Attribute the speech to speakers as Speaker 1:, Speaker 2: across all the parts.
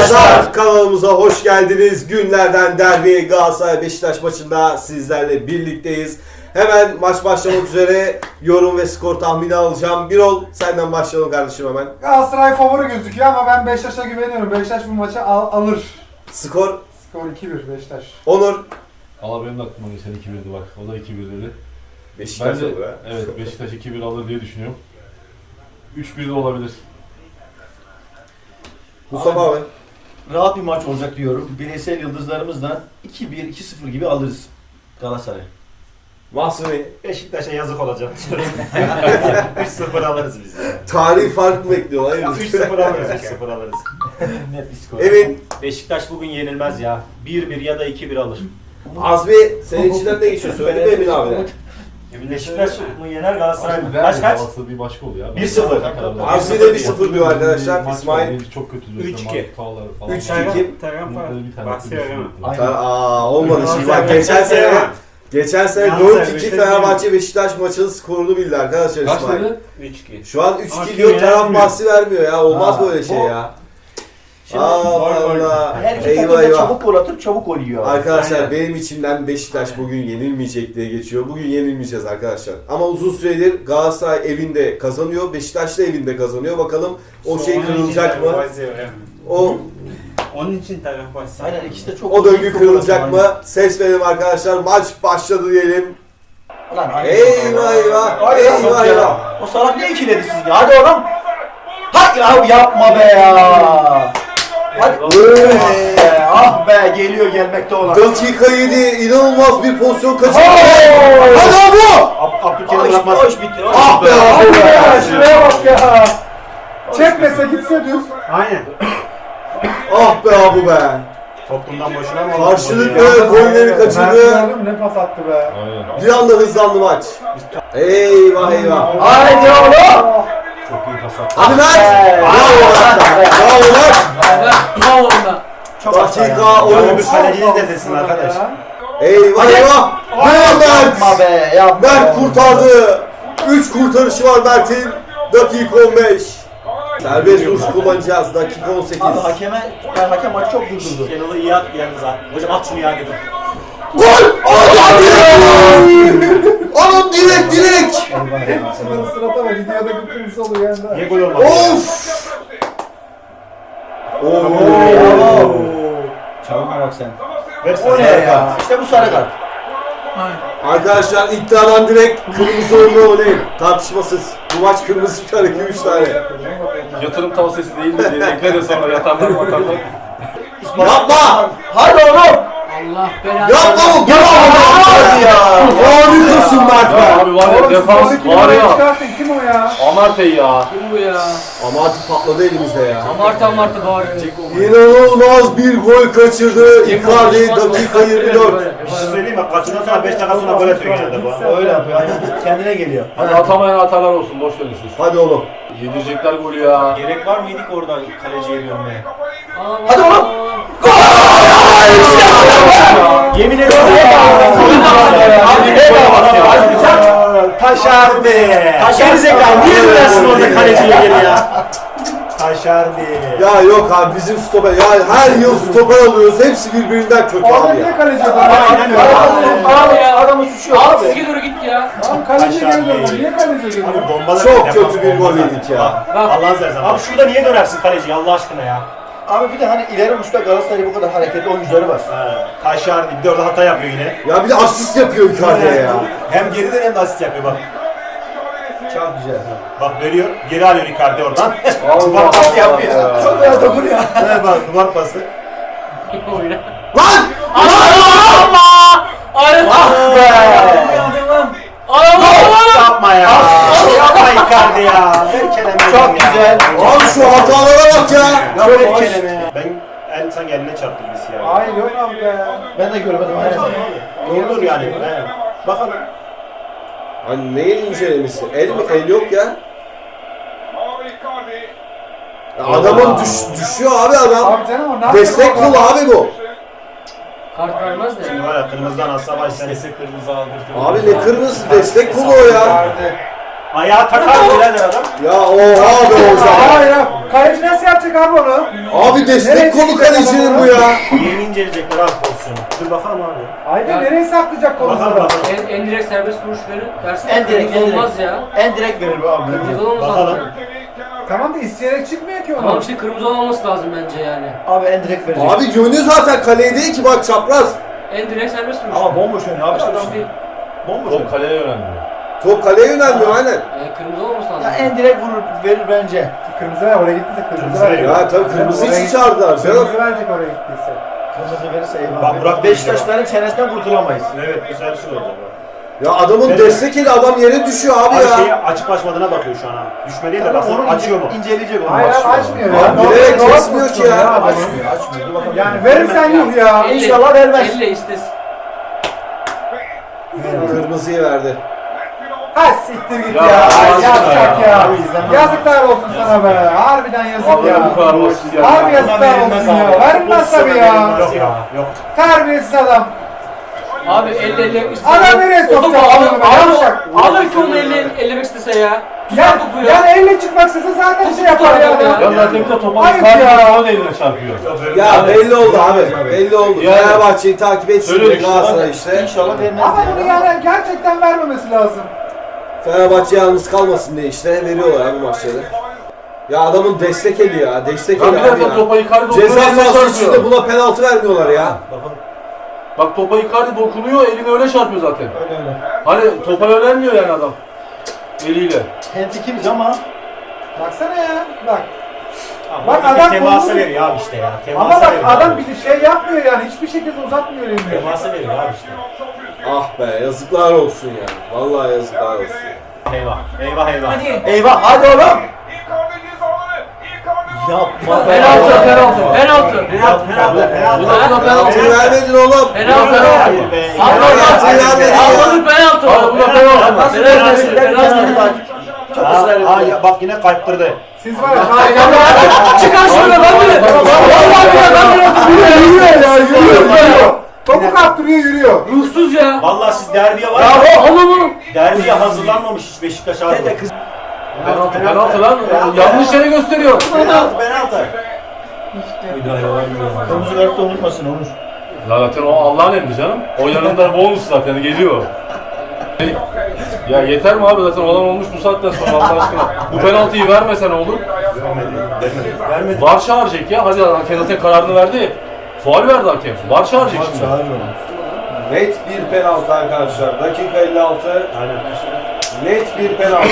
Speaker 1: Arkadaşlar kanalımıza hoş geldiniz. Günlerden derbi Galatasaray Beşiktaş maçında sizlerle birlikteyiz. Hemen maç başlamak üzere yorum ve skor tahmini alacağım. Birol senden başlayalım kardeşim hemen.
Speaker 2: Galatasaray favori gözüküyor ama ben Beşiktaş'a güveniyorum. Beşiktaş bu maçı alır.
Speaker 1: Skor?
Speaker 2: Skor 2-1 Beşiktaş.
Speaker 1: Onur?
Speaker 3: Allah benim de aklıma geçen 2-1'di bak. O da 2-1 dedi.
Speaker 1: Beşiktaş
Speaker 3: Bence,
Speaker 1: olur ha.
Speaker 3: evet Beşiktaş 2-1 alır diye düşünüyorum. 3-1 de olabilir.
Speaker 1: Mustafa abi.
Speaker 4: Rahat bir maç olacak diyorum. Bireysel yıldızlarımızdan 2-1, 2-0 gibi alırız Galatasaray.
Speaker 1: Mahsuni.
Speaker 5: Beşiktaş'a yazık olacak. 3-0 alırız biz ya.
Speaker 1: Tarihi fark mı bekliyor? Hayır.
Speaker 5: 3-0 alırız, 3-0 alırız.
Speaker 4: Net bir skor.
Speaker 1: Emin.
Speaker 5: Beşiktaş bugün yenilmez ya. 1-1 ya da 2-1 alır.
Speaker 1: Azmi senin içinden ne geçiyor? Söyle mi Emin abi?
Speaker 5: Beşiktaş mı yener Galatasaray mı?
Speaker 3: Kaç
Speaker 5: Kaç?
Speaker 3: bir başka oluyor.
Speaker 5: 1-0.
Speaker 1: Azmi de 1-0 diyor arkadaşlar. İsmail.
Speaker 3: Çok kötü.
Speaker 5: 3-2.
Speaker 1: 3-2 kim?
Speaker 5: Bahsediyorum.
Speaker 1: Olmadı şimdi bak geçen sene
Speaker 5: Yalnız
Speaker 1: 4-2 Fenerbahçe Beşiktaş maçının skorunu bildi arkadaşlar
Speaker 3: Kaç
Speaker 1: İsmail.
Speaker 3: dedi?
Speaker 5: 3-2.
Speaker 1: Şu an
Speaker 5: Ama
Speaker 1: 3-2
Speaker 5: kim
Speaker 1: diyor
Speaker 5: yener
Speaker 1: taraf
Speaker 5: bilmiyorum.
Speaker 1: bahsi vermiyor ya. Olmaz böyle şey
Speaker 4: bu-
Speaker 1: ya.
Speaker 4: Şimdi
Speaker 1: Allah.
Speaker 4: her iki
Speaker 1: Eyvah
Speaker 4: takım da
Speaker 1: eyvah.
Speaker 4: çabuk gol atıp çabuk gol yiyor.
Speaker 1: Arkadaşlar
Speaker 5: Aynen.
Speaker 1: benim içimden Beşiktaş bugün yenilmeyecek diye geçiyor. Bugün yenilmeyeceğiz arkadaşlar. Ama uzun süredir Galatasaray evinde kazanıyor. Beşiktaş da evinde kazanıyor. Bakalım o şey kırılacak mı?
Speaker 5: Onun için taraf bahsi.
Speaker 4: Aynen ikisi de çok
Speaker 1: O döngü
Speaker 4: iyi
Speaker 1: kırılacak
Speaker 4: gol
Speaker 1: mı?
Speaker 4: atıyor.
Speaker 1: Ses verelim arkadaşlar. Maç başladı diyelim.
Speaker 4: Ulan, aynen.
Speaker 1: Eyvah eyvah.
Speaker 4: Hadi lan,
Speaker 1: Eyvah
Speaker 4: ya.
Speaker 1: eyvah.
Speaker 4: O salak ne ikiledi siz ya? Hadi oğlum. Hadi abi yapma be ya. Hadi. Ah be geliyor gelmekte olan.
Speaker 1: Dakika 7 inanılmaz bir pozisyon kaçırdı.
Speaker 4: Oh!
Speaker 1: Hadi bu!
Speaker 4: Hoş,
Speaker 5: Abdülkerim yapmaz.
Speaker 4: hoş bitti. hoş
Speaker 1: Ah
Speaker 4: bitti.
Speaker 1: be
Speaker 2: Hadi
Speaker 1: abi
Speaker 2: be
Speaker 1: be.
Speaker 2: şuraya bak ya. Çekmese gitse düz.
Speaker 5: Aynen.
Speaker 1: Ah be abi be.
Speaker 5: Toplumdan boşuna mı?
Speaker 1: Karşılıklı golleri
Speaker 2: Ben
Speaker 1: kaçırdı.
Speaker 2: gördüm ne pas attı be.
Speaker 3: Aynen.
Speaker 1: Bir anda hızlandı maç. Eyvah eyvah.
Speaker 4: Haydi oğlum.
Speaker 5: Çok iyi pas attı.
Speaker 1: Hadi Mert. Bravo Mert. Bravo Mert.
Speaker 4: Çok
Speaker 1: Dakika 13.
Speaker 5: Bir kaleciyi de desin arkadaş.
Speaker 1: Eyvah eyvah. Be
Speaker 4: Yapma
Speaker 1: Mert.
Speaker 4: be yapma.
Speaker 1: Mert kurtardı. 3 kurtarışı var Mert'in. Dakika 15. Serbest vuruş kullanacağız. Dakika 18.
Speaker 4: Abi hakem maçı çok durdurdu.
Speaker 5: Şenol'u iyi attı yalnız ha. Hocam at şunu ya dedim.
Speaker 1: Gol! Allah direkt! Anam direkt!
Speaker 2: Şunların sırata bak gidiyor da kıpkırmızı oluyor yani.
Speaker 5: Niye gol olmadı?
Speaker 1: Of!
Speaker 4: Oo. Çabuk bak sen.
Speaker 5: Versene.
Speaker 4: O ne ya? İşte bu sarı kart.
Speaker 1: Arkadaşlar iddiadan direkt kırmızı oldu o değil. Tartışmasız. Bu maç kırmızı kare 2-3 tane.
Speaker 3: Yatırım tavsiyesi değil mi diye ekler sonra yatanlar matanlar.
Speaker 1: Yapma!
Speaker 4: Hadi oğlum.
Speaker 6: Allah belanı.
Speaker 1: Yapma bu!
Speaker 4: Hadi ya.
Speaker 1: Harikasın Mert
Speaker 3: Ya
Speaker 1: be!
Speaker 3: abi var ya
Speaker 2: Oğlum
Speaker 3: defans
Speaker 2: siz
Speaker 3: var ya.
Speaker 2: çıkartın kim o ya?
Speaker 3: Amartey ya.
Speaker 6: Kim bu ya?
Speaker 1: Ama artık patladı elimizde ya.
Speaker 6: Amartı bağırıyor.
Speaker 1: İnanılmaz bir gol kaçırdı. Icardi dakika 24.
Speaker 5: Bir şey söyleyeyim mi? Kaçından sonra 5 dakika sonra gol atıyor genelde bu.
Speaker 4: Öyle yapıyor. Aynen. Kendine geliyor.
Speaker 3: Hadi atamayan hatalar olsun boş verin siz.
Speaker 1: Hadi oğlum.
Speaker 3: Yedirecekler golü ya.
Speaker 5: Gerek var mıydı ki oradan kaleciye dönmeye?
Speaker 4: Hadi oğlum.
Speaker 5: Yemin ederim. Taşardı. Geri zekalı. Niye dönersin orada kaleciye geri ya? Taşardı.
Speaker 1: Ya yok abi bizim stoper. Ya her yıl stoper alıyoruz. Hepsi birbirinden kötü
Speaker 2: Orada
Speaker 1: abi
Speaker 2: niye
Speaker 1: ya.
Speaker 2: kaleci dönüyor?
Speaker 5: Aynen öyle.
Speaker 4: Adamı suçuyor
Speaker 6: Abi
Speaker 4: abi.
Speaker 6: size doğru git ya.
Speaker 2: Tamam kaleci geri dönüyor. Niye kaleci dönüyor?
Speaker 5: Abi bombalar
Speaker 1: Çok
Speaker 5: defans
Speaker 1: kötü bir
Speaker 5: bomba
Speaker 1: gol
Speaker 5: zaten.
Speaker 1: yedik ya.
Speaker 5: Allah'ın seversen. Abi şurada niye dönersin kaleciye Allah aşkına ya?
Speaker 4: Abi bir de hani ileri uçta Galatasaray'ın bu kadar hareketli oyuncuları var.
Speaker 5: Taşardı. Bir de orada hata yapıyor yine.
Speaker 1: Ya bir de asist yapıyor Icardi'ye ya.
Speaker 5: Hem geriden hem de asist yapıyor bak.
Speaker 4: Çok güzel.
Speaker 5: Bak veriyor, geri alıyor Icardi oradan.
Speaker 3: Allah
Speaker 5: Duvar pası
Speaker 3: Allah
Speaker 5: yapıyor.
Speaker 3: ya.
Speaker 4: Çok güzel dokun ya.
Speaker 5: Evet bak duvar pası.
Speaker 6: Oyna.
Speaker 1: Lan!
Speaker 4: Ah be.
Speaker 5: Yapma ya. Yapma Icardi ya. Ver kelime.
Speaker 4: Çok güzel.
Speaker 1: Abi şu hatalara bak ya.
Speaker 5: Ya ver kelime. Ben sanki eline çarptı birisi ya.
Speaker 2: Hayır yok abi be.
Speaker 4: Ben de görmedim. Aynen.
Speaker 5: Doğrudur yani. He. Bakalım.
Speaker 1: Hani neyin incelemesi? El mi? El yok ya. Ya adamın düşüyor abi adam.
Speaker 2: Abi canım o ne yapıyor?
Speaker 1: Destek kolu abi bu.
Speaker 6: Kart vermez de.
Speaker 5: Şimdi var ya kırmızıdan alsa var sen. Kırmızı aldırdı.
Speaker 1: Abi ne kırmızı destek kolu o ya.
Speaker 2: Verdi.
Speaker 5: Ayağa takar birader adam.
Speaker 1: Ya oha be hocam.
Speaker 2: Hayır ya. Kaleci nasıl yapacak abi onu?
Speaker 1: Abi destek kolu kalecinin bu ya.
Speaker 5: Yeni inceleyecekler abi pozisyonu. Dur bakalım abi.
Speaker 2: Haydi nereye saklayacak kolunu?
Speaker 5: Bakalım bakalım.
Speaker 6: En direkt serbest vuruş verin. Dersin
Speaker 4: En direkt,
Speaker 6: kırmızı
Speaker 4: en
Speaker 6: olmaz
Speaker 4: direkt.
Speaker 6: ya.
Speaker 4: En direkt verir bu abi.
Speaker 6: Kırmızı olmaz
Speaker 5: Bakalım.
Speaker 6: lazım.
Speaker 2: Tamam da isteyerek çıkmıyor ki
Speaker 6: Tamam
Speaker 2: onu.
Speaker 6: işte kırmızı olmaması lazım bence yani.
Speaker 4: Abi en direkt verecek.
Speaker 1: Abi yönü zaten kaleye değil ki bak çapraz.
Speaker 6: En direkt serbest vuruş.
Speaker 4: Ama bomboş oynuyor abi
Speaker 6: Başka bir
Speaker 4: adam.
Speaker 6: şey değil.
Speaker 5: Bomboş.
Speaker 3: Top kaleye yönelmiyor.
Speaker 1: Top kaleye yönelmiyor aynen.
Speaker 6: Kırmızı olması lazım.
Speaker 4: Ya en direkt vurur verir bence.
Speaker 2: Kırmızı ver oraya gittiyse kırmızı
Speaker 5: Kırmızı
Speaker 2: ver.
Speaker 5: veriyor.
Speaker 1: Ya tabii kırmızı
Speaker 2: Oraya
Speaker 1: için çağırdılar canım.
Speaker 2: Kırmızı verecek oraya gittiyse.
Speaker 4: Kırmızı verirse eyvallah.
Speaker 5: Bak Burak
Speaker 4: Beşiktaşların çenesinden kurtulamayız.
Speaker 5: Evet güzel bir şey olacak.
Speaker 1: Ya adamın
Speaker 5: Evet.
Speaker 1: destek eli adam yere düşüyor abi
Speaker 5: Abi
Speaker 1: ya.
Speaker 5: şeyi açıp açmadığına bakıyor şu an ha. Düşme değil de
Speaker 4: Tamam,
Speaker 5: basın
Speaker 4: onu
Speaker 5: açıyor mu?
Speaker 4: İnceleyecek onu.
Speaker 2: Hayır abi
Speaker 4: Açıyor.
Speaker 2: açmıyor
Speaker 1: Abi
Speaker 2: ya.
Speaker 1: bilerek
Speaker 2: Doğru
Speaker 1: kesmiyor ki
Speaker 2: pozisyon
Speaker 1: ya.
Speaker 2: adamı.
Speaker 4: Açmıyor. Dur bakalım.
Speaker 2: Yani verirsen yuh ya.
Speaker 4: İnşallah vermez.
Speaker 6: Elle istes.
Speaker 1: Kırmızıyı verdi.
Speaker 2: Ha siktir git
Speaker 3: Ya,
Speaker 2: ya.
Speaker 3: Allah
Speaker 2: Yapacak
Speaker 3: aşkına
Speaker 2: ya.
Speaker 4: Abi izlemem.
Speaker 2: Yazıklar olsun sana be. Harbiden yazık
Speaker 3: Vallahi
Speaker 2: ya.
Speaker 3: bu kadar basit yani.
Speaker 2: Harbi yazıklar olsun ya. Vermez tabii ya.
Speaker 5: Yok ya. Yok.
Speaker 2: Terbiyesiz adam.
Speaker 6: Abi elle istes.
Speaker 2: Adam nereye
Speaker 6: O topu
Speaker 2: sokacak adamı be? Yapacak.
Speaker 6: alır ki onu ellemek istese ya.
Speaker 2: Ya,
Speaker 6: Tutar topu ya.
Speaker 2: yani elle çıkmak istese zaten şey yapar ya.
Speaker 6: tutar
Speaker 2: adam.
Speaker 3: Ya zaten bir de topa
Speaker 2: Hayır
Speaker 3: sadece
Speaker 2: ya.
Speaker 3: topa da eline çarpıyor.
Speaker 1: Ya belli oldu abi. Belli oldu.
Speaker 3: Yani.
Speaker 1: Fenerbahçe'yi takip etsin diye
Speaker 3: Söyledik işte,
Speaker 1: Galatasaray işte.
Speaker 4: İnşallah vermez.
Speaker 2: Ama bunu yani gerçekten vermemesi lazım.
Speaker 1: Fenerbahçe yalnız kalmasın diye işte veriyorlar abi maçları. Ya adamın destek eli ya. Destek
Speaker 3: Ya
Speaker 1: eli
Speaker 3: bir
Speaker 1: abi
Speaker 3: dakika
Speaker 1: ya.
Speaker 3: topa Icardi dokunuyor
Speaker 1: Ceza
Speaker 3: eline
Speaker 1: sahası içinde
Speaker 3: çarpıyor.
Speaker 1: buna penaltı vermiyorlar ya.
Speaker 3: Bak topa Icardi dokunuyor eline öyle çarpıyor zaten.
Speaker 4: Öyle öyle.
Speaker 3: Hani topa yönelmiyor yani adam. Eliyle.
Speaker 4: Hemfikiriz ama
Speaker 2: Baksana ya. Bak.
Speaker 5: Bak
Speaker 2: adam
Speaker 5: temasa
Speaker 2: kolunu-
Speaker 5: veriyor abi işte ya.
Speaker 2: Ama
Speaker 5: Temasa
Speaker 2: bak
Speaker 5: veriyor
Speaker 2: adam
Speaker 5: abi.
Speaker 2: bir şey yapmıyor yani. Hiçbir şekilde uzatmıyor elini.
Speaker 5: Temasa veriyor abi işte.
Speaker 1: Ah be yazıklar olsun ya. Vallahi yazıklar olsun.
Speaker 5: Eyvah. Eyvah eyvah.
Speaker 4: eyvah hadi oğlum. Yapma be.
Speaker 6: Penaltı.
Speaker 3: Bu da
Speaker 1: Penaltıyı vermedin oğlum.
Speaker 6: Penaltı.
Speaker 5: Hayır be.
Speaker 1: Penaltıyı vermedin ya.
Speaker 6: Almadı penaltı.
Speaker 3: Abi bu da penaltı.
Speaker 4: Nasıl
Speaker 6: Penaltı,
Speaker 4: vermezsin?
Speaker 6: penaltı.
Speaker 4: Çok ısrar ediyor.
Speaker 5: Ya bak yine kayıttırdı.
Speaker 2: Siz var ya.
Speaker 6: Çıkar şunu ben de. Vallahi ben
Speaker 2: Yürüyor. Topu kaptırıyor yürüyor.
Speaker 6: Ruhsuz ya.
Speaker 5: Vallahi siz derbiye var
Speaker 6: Ya
Speaker 5: ya.
Speaker 6: oğlum.
Speaker 5: Derbiye hazırlanmamış hiç Beşiktaş abi.
Speaker 3: Penaltı lan. Yanlış yere gösteriyor.
Speaker 5: Penaltı.
Speaker 4: Kırmızı kart da unutmasın Onur.
Speaker 3: Zaten o Allah'ın emri canım. O yanında bonus zaten geliyor. Ya yeter mi abi zaten olan olmuş bu saatten sonra Allah aşkına. Bu penaltıyı vermesen olur.
Speaker 5: Vermedi.
Speaker 3: VAR çağıracak ya. Hadi hakem zaten kararını verdi. Faul verdi hakem. VAR çağıracak şimdi.
Speaker 1: Net bir penaltı arkadaşlar. Dakika 56.
Speaker 5: Aynen.
Speaker 1: Net bir penaltı.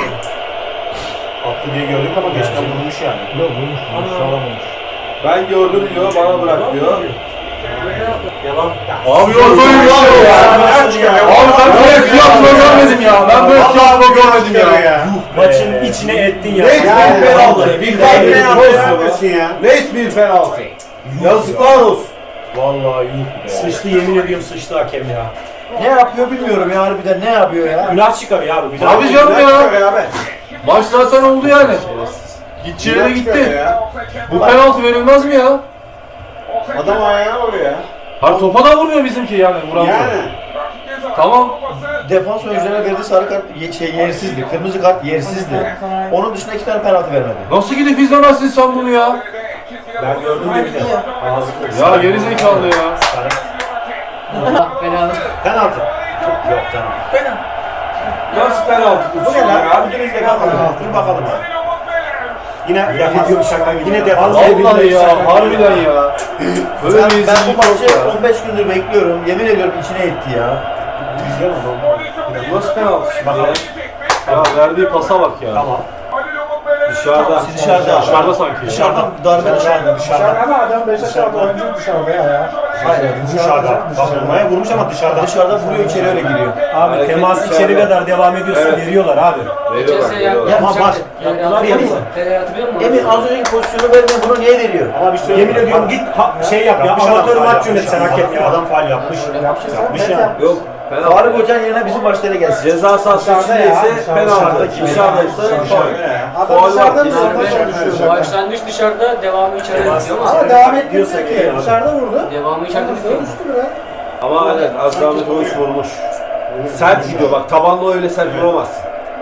Speaker 5: Attı diye gördük ama geçten vurmuş yani.
Speaker 4: Yok vurmuş.
Speaker 1: Ben gördüm diyor, bana bırak diyor.
Speaker 5: Yalan.
Speaker 3: Abi yok böyle bir şey yok ya. Abi ben böyle tiyatro görmedim ya. Ben böyle tiyatro görmedim ya.
Speaker 5: Maçın içine ettin ya.
Speaker 1: Net bir penaltı.
Speaker 5: vallahi.
Speaker 1: Bir
Speaker 5: Vallahi
Speaker 1: penaltı
Speaker 5: penaltı ya.
Speaker 1: Net bir penaltı. Yazıklar olsun.
Speaker 5: Vallahi yuh. Sıçtı yemin ediyorum sıçtı hakem ya.
Speaker 4: Ne yapıyor bilmiyorum ya harbiden ne yapıyor ya.
Speaker 5: Günah çıkarıyor abi.
Speaker 3: Tabii canım ya. Maç zaten oldu yani. Gideceği de gitti. Bu penaltı verilmez mi ya?
Speaker 1: Adam ayağına vuruyor ya.
Speaker 3: Hayır topa da vurmuyor bizimki yani. Vuran Tamam.
Speaker 4: Defans oyuncularına verdiği sarı kart yersizdi. Kırmızı kart yersizdi. Onun dışında 2 tane penaltı vermedi.
Speaker 3: Nasıl gidip izlemezsin sen bunu ya?
Speaker 5: Ben gördüm de bir de.
Speaker 3: Ya geri zekalı ya.
Speaker 6: Penaltı.
Speaker 5: Penaltı. Yok canım.
Speaker 1: Nasıl penaltı?
Speaker 5: Bu ne lan? Bugün izle bakalım. Dur bakalım. Yine defans şaka gibi. Yine defans
Speaker 3: Vallahi ya. Harbiden ya. Böyle bir
Speaker 4: Ben bu
Speaker 3: izleyicilik
Speaker 4: maçı
Speaker 3: yok ya.
Speaker 4: 15 gündür bekliyorum. Yemin ediyorum içine etti ya.
Speaker 1: Nasıl penaltı?
Speaker 5: Bakalım.
Speaker 3: Ya verdiği pasa bak ya.
Speaker 5: Tamam.
Speaker 1: Dışarıda.
Speaker 4: Dışarıda.
Speaker 3: Dışarıda sanki.
Speaker 4: Dışarıdan darbe dışarıda.
Speaker 2: Dışarıda ama adam Beşiktaş oyuncu dışarıda ya.
Speaker 4: Hayır.
Speaker 5: Dışarıda. Vurmaya vurmuş ama dışarıda.
Speaker 4: Dışarıda vuruyor içeri öyle giriyor.
Speaker 5: Abi temas içeri kadar devam ediyorsa
Speaker 1: Evet.
Speaker 5: veriyorlar abi.
Speaker 1: Veriyorlar.
Speaker 6: Cese
Speaker 1: veriyorlar.
Speaker 4: Yapma bak.
Speaker 6: Hatırlıyor musun? Hatırlıyor musun?
Speaker 4: Emin az önceki pozisyonu vermiyor bunu niye veriyor?
Speaker 5: Ama bir şey yemin ediyorum git şey yap ya. Amatör maç yönet sen hakem ya. Adam faal yapmış. Yapmış ya.
Speaker 1: Yok. Penaltı.
Speaker 4: Faruk Hoca'nın yerine bizim maçlara gelsin.
Speaker 1: Ceza sahası içindeyse penaltı. Dışarıdaysa faul. Faul var.
Speaker 2: dışarıda mı?
Speaker 1: Kesinlikle.
Speaker 6: Başlangıç dışarıda, devamı içeride diyor ama
Speaker 2: Ama devam ettirmiyor
Speaker 5: Diyorsa
Speaker 2: ki.
Speaker 5: ki.
Speaker 2: Dışarıda vurdu.
Speaker 6: devamı içeride
Speaker 2: Sonra
Speaker 6: diyor.
Speaker 2: düştü bile.
Speaker 1: Ama aynen Azramet Hoş vurmuş. Sert gidiyor bak tabanla öyle sert vuramazsın.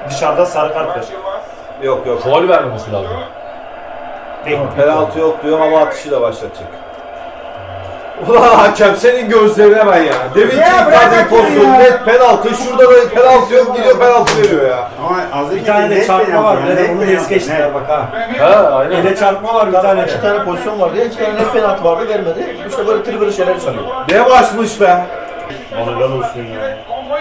Speaker 5: Dışarıda sarı kart ver.
Speaker 1: Yok yok.
Speaker 3: Faul vermemesi lazım.
Speaker 5: Değil.
Speaker 1: Penaltı yok diyor ama atışıyla başlatacak. Ulan hakem senin gözlerine ben ya. Demin
Speaker 2: Ya
Speaker 1: ki
Speaker 2: bırak
Speaker 1: bir
Speaker 2: hakemi
Speaker 1: pozisyon
Speaker 2: ya.
Speaker 1: net penaltı. Şurada da penaltı yok gidiyor penaltı veriyor ya.
Speaker 2: Ama az
Speaker 5: Bir tane de çarpma var. Onu es geçtiler bak ha.
Speaker 3: Ha aynen.
Speaker 5: Ele çarpma var bir tane.
Speaker 4: İki tane pozisyon vardı ya, iki tane net penaltı vardı vermedi. İşte böyle tribüne şeyler sanıyor.
Speaker 1: Ne başmış be.
Speaker 5: Bana helal olsun ya.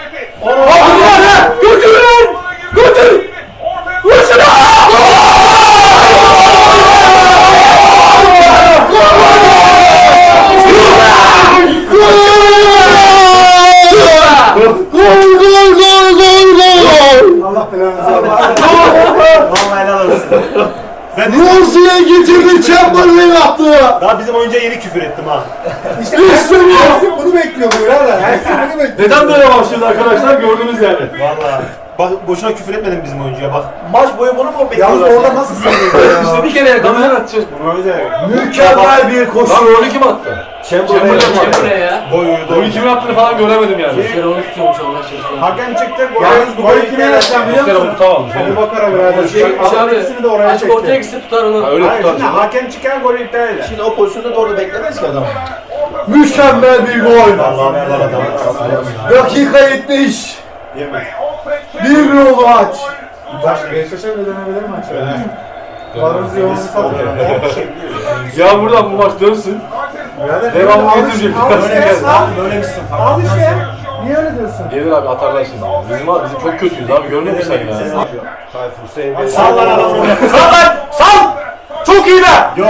Speaker 2: Allah belanızı almasın.
Speaker 5: Vallahi helal olsun. Ben de
Speaker 1: Rusya'ya getirdi Chamberlain attı.
Speaker 5: daha bizim oyuncuya yeni küfür ettim ha.
Speaker 2: İşte Ersin bunu bekliyor birader. Ersin bunu bekliyor.
Speaker 3: Neden böyle başlıyoruz arkadaşlar gördünüz yani.
Speaker 5: Vallahi. Bak boşuna küfür etmedim bizim oyuncuya bak.
Speaker 4: Maç boyu bunu mu
Speaker 2: Yalnız
Speaker 4: bekliyorlar?
Speaker 2: orada nasıl sinirleniyor ya?
Speaker 6: İşte bir kere yakalayan atacağız.
Speaker 1: Mükemmel bir koşu.
Speaker 3: Lan golü kim attı?
Speaker 1: Chamberlain
Speaker 3: Chamberlain
Speaker 1: attı.
Speaker 6: Şey buraya ya.
Speaker 3: Golü kimin attığını falan göremedim yani.
Speaker 6: Seni onu tutuyormuş Allah aşkına.
Speaker 2: Hakem çıktı. Golü kime yazacağım biliyor
Speaker 3: Muslera
Speaker 2: musun?
Speaker 3: tutamam.
Speaker 2: Abu Bakar'a birader. İkisini de oraya
Speaker 6: Açık ortaya
Speaker 2: çekti.
Speaker 6: gitse tutar onu.
Speaker 3: Ha, öyle tutar şimdi.
Speaker 2: Hakem çıkan golü iptal eder.
Speaker 4: Şimdi o pozisyonda da orada beklemez ki adam.
Speaker 1: Mükemmel bir gol.
Speaker 5: Allah'ım helal adam.
Speaker 1: Dakika 70. 1-1 oldu maç.
Speaker 2: Beşiktaş'a bile dönebilir maç ya. Varınızı yolunuzu satıyor.
Speaker 3: Ya buradan bu maç dönsün.
Speaker 2: Birader,
Speaker 3: Devamlı
Speaker 2: al
Speaker 3: getirecek.
Speaker 2: işte, al
Speaker 5: Böyle
Speaker 2: işte,
Speaker 5: misin
Speaker 2: al.
Speaker 5: abi? Böyle misin?
Speaker 2: Al işte. Niye öyle diyorsun?
Speaker 3: Gelir abi atarlar şimdi. Bizim çok kötüyüz abi görmüyor musun sen ya?
Speaker 1: Tayfur sevdi.
Speaker 5: Sal lan adamı.
Speaker 4: Sal lan! Sal! Çok iyi be!
Speaker 5: Yok.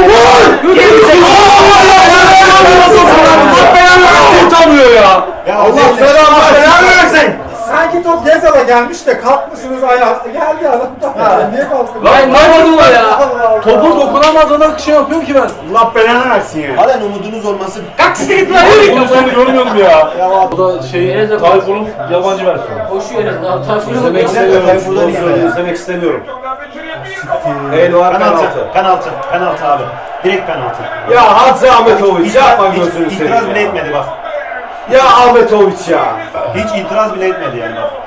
Speaker 3: Tutamıyor ya.
Speaker 5: Ya
Speaker 1: Allah belanı versin.
Speaker 2: Sanki top Gezal'a gelmiş de kalkmışsınız ayağa. Geldi adam. Niye kalktın?
Speaker 6: Lan kayboldu o ya.
Speaker 2: Allah Allah.
Speaker 3: Topu dokunamadığına şey yapıyorum ki ben.
Speaker 5: Allah belanı versin ya.
Speaker 4: Halen umudunuz olmasın.
Speaker 6: Kalk size git lan yürü.
Speaker 3: Pozisyonu görmüyordum ya. Bu da şey Tayfun'un yabancı versiyonu.
Speaker 6: Koşuyor en azından. Tayfun'u
Speaker 1: İzlemek
Speaker 6: da
Speaker 1: istemiyorum.
Speaker 4: Tayfur'dan
Speaker 1: Pozisyonu
Speaker 4: iyi.
Speaker 1: izlemek istemiyorum. Eyvah
Speaker 5: Penaltı.
Speaker 1: penaltı.
Speaker 5: Penaltı. Penaltı abi. Direkt penaltı.
Speaker 1: Ya Hadzi Ahmetoviç yapma gözünü
Speaker 5: hiç
Speaker 1: seveyim.
Speaker 5: itiraz bile
Speaker 1: ya.
Speaker 5: etmedi bak.
Speaker 1: Ya Ahmetoviç ya.
Speaker 5: Hiç itiraz bile etmedi yani bak.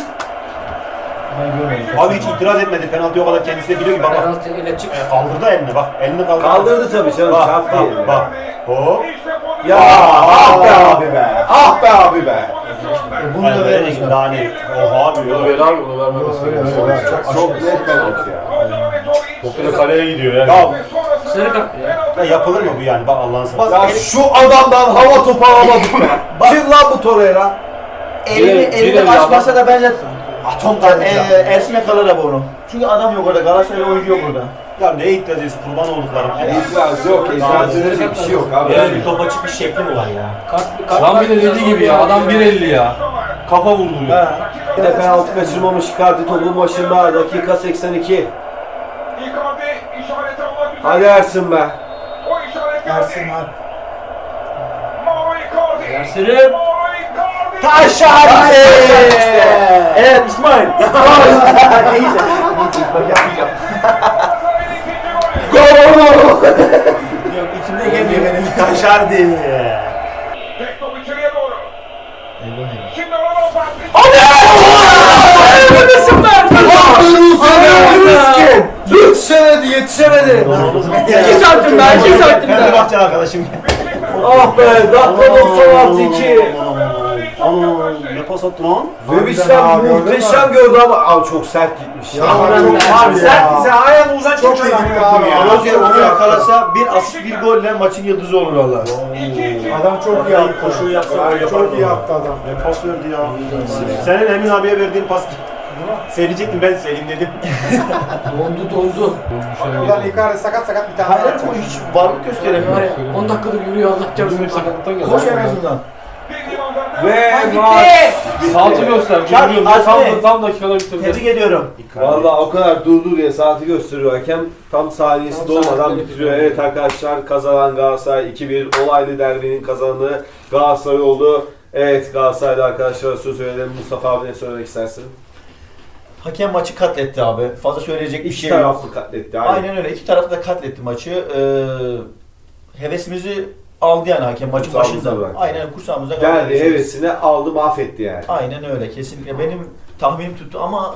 Speaker 5: Abi hiç itiraz etmedi. Penaltı o kadar kendisi de biliyor ki bak bak.
Speaker 6: Penaltı ile çık.
Speaker 5: Kaldırdı elini bak. Elini kaldırdı.
Speaker 1: Kaldırdı tabii canım.
Speaker 5: Bak
Speaker 1: Çarptı
Speaker 5: bak
Speaker 1: yerine.
Speaker 5: bak. Hop.
Speaker 1: Ya ah be abi be. Ah be abi be.
Speaker 5: Bunu da verecek daha ne? Oha abi.
Speaker 3: Bunu ver abi bunu vermemesi.
Speaker 1: Çok net penaltı ya.
Speaker 3: Topu da kaleye gidiyor yani.
Speaker 5: Ya,
Speaker 6: Sarı kart ya.
Speaker 5: ya yapılır mı bu yani? Bak Allah'ın sana.
Speaker 1: Ya şu adamdan hava topu alamadık be. Kim lan bu Torreira?
Speaker 4: Elini açmasa da bence
Speaker 5: Atom kaldı.
Speaker 4: Ersin'e kalır abi onu. Çünkü adam yok orada. Galatasaray oyuncu yok orada.
Speaker 5: Ya neye itiraz ediyorsun? Kurban olduklarım.
Speaker 1: İtiraz yok. İtiraz edecek bir şey yok abi.
Speaker 5: Yani bir topa çıkış şekli mi var ya?
Speaker 3: Lan bir de dediği gibi ya adam 1.50 ya. Kafa vurduruyor.
Speaker 1: Bir de penaltı kaçırmamış Icardi topun başında. Dakika 82. Hadi Ersin be.
Speaker 2: Ersin var.
Speaker 6: Ersin'im.
Speaker 4: Taşar! Evet İsmail. Neyse.
Speaker 5: Yok içimde gelmiyor benim. Taşar diye.
Speaker 1: Yetişemedi, yetişemedi.
Speaker 6: 2 santim ben 2 santim ben.
Speaker 5: Fenerbahçe arkadaşım.
Speaker 1: Ah be, dakika 96 2.
Speaker 5: Ana ne pas attı lan?
Speaker 1: Webis'ten muhteşem gördü ama abi çok sert gitmiş.
Speaker 2: Ya,
Speaker 5: Abi sen ayağını uzat
Speaker 2: Çok iyi gitti abi.
Speaker 4: Roger onu yakalasa bir asist bir golle maçın yıldızı olur valla.
Speaker 2: Adam çok iyi yaptı.
Speaker 5: Koşuyu yapsa
Speaker 2: Çok iyi yaptı adam.
Speaker 5: Ne pas verdi ya. Senin Emin abiye verdiğin pas. Söyleyecektim ben söyleyeyim dedim.
Speaker 6: Dondu.
Speaker 2: Ulan Icardi sakat bir tane daha
Speaker 4: Hayır
Speaker 2: atacak.
Speaker 4: hiç varlık gösteremiyor.
Speaker 6: Var ya 10 dakikadır yürüyor Allah
Speaker 3: Bizim
Speaker 6: canını
Speaker 3: hep sakatlıktan geldi.
Speaker 4: Koş en azından.
Speaker 1: Ve maç.
Speaker 3: Saati göster.
Speaker 4: Çak,
Speaker 3: Görüyorum.
Speaker 4: Azmi.
Speaker 3: Tam dakikada bitirdi.
Speaker 4: Tebrik ediyorum.
Speaker 1: Valla o kadar durdu diye saati gösteriyor hakem. Tam saniyesi dolmadan bitiriyor. Evet arkadaşlar kazanan Galatasaray 2-1 olaylı derbinin kazananı Galatasaray oldu. Evet Galatasaray'da arkadaşlara söz verelim. Mustafa abi ne söylemek istersin?
Speaker 4: Hakem maçı katletti abi. Fazla söyleyecek bir
Speaker 1: İki
Speaker 4: şey yok.
Speaker 1: taraflı katletti.
Speaker 4: Aynen öyle. İki tarafı da katletti maçı. Hevesimizi aldı yani hakem maçın
Speaker 1: Kursağımıza
Speaker 4: başında.
Speaker 1: bıraktı.
Speaker 4: Aynen kursağımıza
Speaker 1: Geldi hevesini aldı mahvetti yani.
Speaker 4: Aynen öyle kesinlikle. Benim tahminim tuttu ama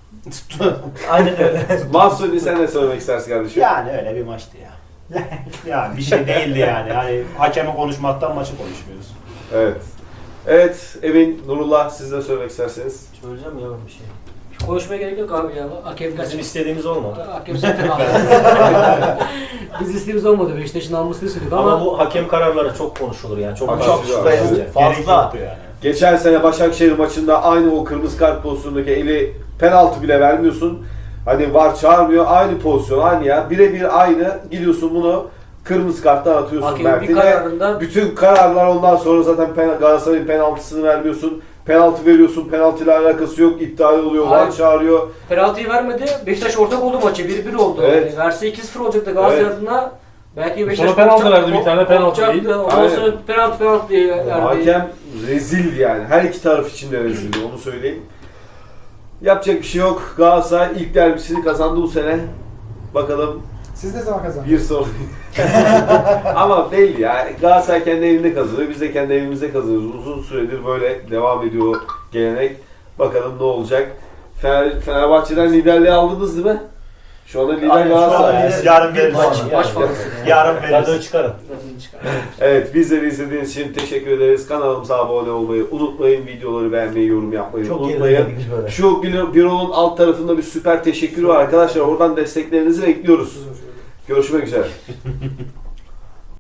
Speaker 5: Aynen öyle.
Speaker 1: Mahsuni sen ne söylemek istersin kardeşim?
Speaker 5: Yani öyle bir maçtı ya. Yani bir şey değildi yani. Hani hakemi konuşmaktan maçı konuşmuyoruz.
Speaker 1: Evet. Evet, Emin, Nurullah siz de söylemek isterseniz.
Speaker 5: Söyleyeceğim ya ben bir şey.
Speaker 6: Konuşmaya gerek yok abi ya. Hakem
Speaker 5: Bizim
Speaker 6: kaç.
Speaker 5: istediğimiz olmadı.
Speaker 6: Hakem zaten aldı. Biz istediğimiz olmadı. Beşiktaş'ın almasını istedik
Speaker 5: Ama
Speaker 6: ama
Speaker 5: bu hakem kararları çok konuşulur yani. Çok
Speaker 1: Çok
Speaker 5: bence.
Speaker 4: fazla.
Speaker 5: Gerek yoktu yani.
Speaker 1: Geçen sene Başakşehir maçında aynı o kırmızı kart pozisyonundaki eli penaltı bile vermiyorsun. Hani VAR çağırmıyor, aynı pozisyon, aynı ya. Birebir aynı. Gidiyorsun bunu kırmızı karttan atıyorsun
Speaker 6: hakemin bir
Speaker 1: Mert'ine.
Speaker 6: kararında
Speaker 1: Bütün kararlar ondan sonra zaten Galatasaray'ın penaltısını vermiyorsun. Penaltı veriyorsun, penaltıyla alakası yok, iptal oluyor, VAR
Speaker 6: Hayır.
Speaker 1: çağırıyor.
Speaker 6: penaltıyı vermedi. Beşiktaş ortak oldu maçı. 1-1 oldu.
Speaker 1: Evet.
Speaker 6: Yani verse 2-0 olacaktı Galatasaray
Speaker 1: Evet.
Speaker 6: adına. Belki Beşiktaş
Speaker 3: Sonra penaltı verdi, bir tane penaltı
Speaker 6: olacaktı.
Speaker 3: değil.
Speaker 6: Ondan
Speaker 1: Aynen.
Speaker 6: sonra penaltı diye verdi.
Speaker 1: Hakem rezildi yani. Her iki taraf için de rezildi, onu söyleyeyim. Yapacak bir şey yok. Galatasaray ilk derbisini kazandı bu sene. Bakalım
Speaker 2: Siz ne zaman kazandınız?
Speaker 1: bir soru. Ama belli ya. Galatasaray kendi evinde kazanıyor. Biz de kendi evimizde kazanıyoruz. Uzun süredir böyle devam ediyor o gelenek. Bakalım ne olacak. Fenerbahçe'den liderliği aldınız değil mi? Şu anda lider
Speaker 5: Aynen, şu an
Speaker 1: Galatasaray.
Speaker 5: yarın veririz.
Speaker 6: Maç falan.
Speaker 5: Yarın veririz. çıkarın.
Speaker 1: Evet, bizleri izlediğiniz için teşekkür ederiz. Kanalımıza abone olmayı unutmayın. Videoları beğenmeyi, yorum yapmayı unutmayın. Şu Birol'un alt tarafında bir süper teşekkür var arkadaşlar. Oradan desteklerinizi bekliyoruz. Görüşmek üzere.